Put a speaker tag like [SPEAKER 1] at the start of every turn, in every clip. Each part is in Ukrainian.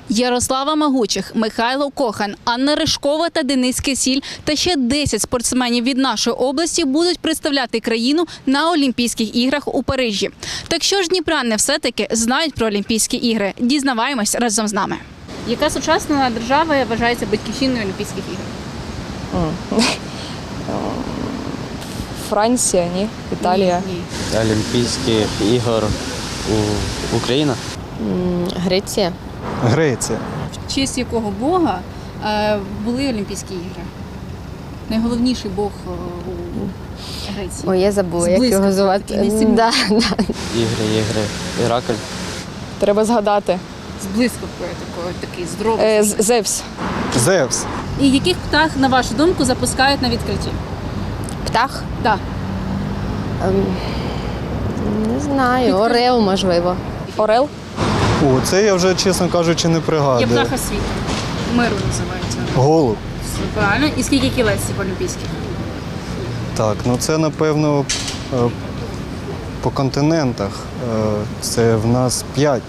[SPEAKER 1] Ярослава Магучих, Михайло Кохан, Анна Ришкова та Денис Кисіль та ще 10 спортсменів від нашої області будуть представляти країну на Олімпійських іграх у Парижі. Так що ж дніпряни все-таки знають про Олімпійські ігри? Дізнаваємось разом з нами. Яка сучасна держава вважається батьківщиною Олімпійських ігор?
[SPEAKER 2] Франція, ні? Італія.
[SPEAKER 1] Ні.
[SPEAKER 3] Олімпійських ігор Україна.
[SPEAKER 2] Греція.
[SPEAKER 4] Греція.
[SPEAKER 1] В честь якого бога були Олімпійські ігри? Найголовніший бог у Греції.
[SPEAKER 2] Ой, я забула, як
[SPEAKER 1] Зблизька
[SPEAKER 2] його звати.
[SPEAKER 1] такий, найсильніший.
[SPEAKER 3] Ігри. Іракль.
[SPEAKER 2] Треба згадати.
[SPEAKER 1] З блискавкою такий здоровий.
[SPEAKER 2] Зевс.
[SPEAKER 4] Зевс.
[SPEAKER 1] І яких птах, на вашу думку, запускають на відкритті?
[SPEAKER 2] Птах?
[SPEAKER 1] Так.
[SPEAKER 2] Не знаю. Орел, можливо. Орел?
[SPEAKER 4] О, це я вже, чесно кажучи, не
[SPEAKER 1] Є
[SPEAKER 4] пригадую.
[SPEAKER 1] птаха світу. Миру називається.
[SPEAKER 4] Голуб.
[SPEAKER 1] Все правильно. І скільки кілець олімпійських?
[SPEAKER 4] Так, ну це, напевно, по континентах. Це в нас 5.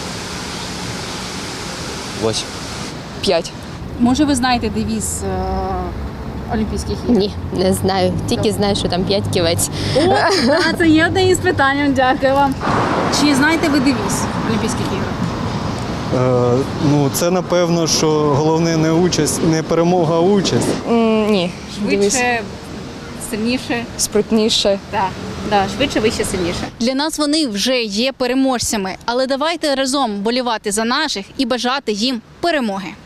[SPEAKER 3] 8.
[SPEAKER 2] 5.
[SPEAKER 1] Може, ви знаєте девіз Олімпійських ігор?
[SPEAKER 2] Ні, не знаю. Тільки знаю, що там 5 кілець.
[SPEAKER 1] Це є одне із питань. Дякую вам. Чи знаєте ви девіз Олімпійських ігор?
[SPEAKER 4] Ну, це, напевно, що головне не участь, не перемога, а участь.
[SPEAKER 2] Ні.
[SPEAKER 1] Швидше, сильніше.
[SPEAKER 2] Спритніше.
[SPEAKER 1] Так, швидше, вище, сильніше. Для нас вони вже є переможцями, але давайте разом болівати за наших і бажати їм перемоги.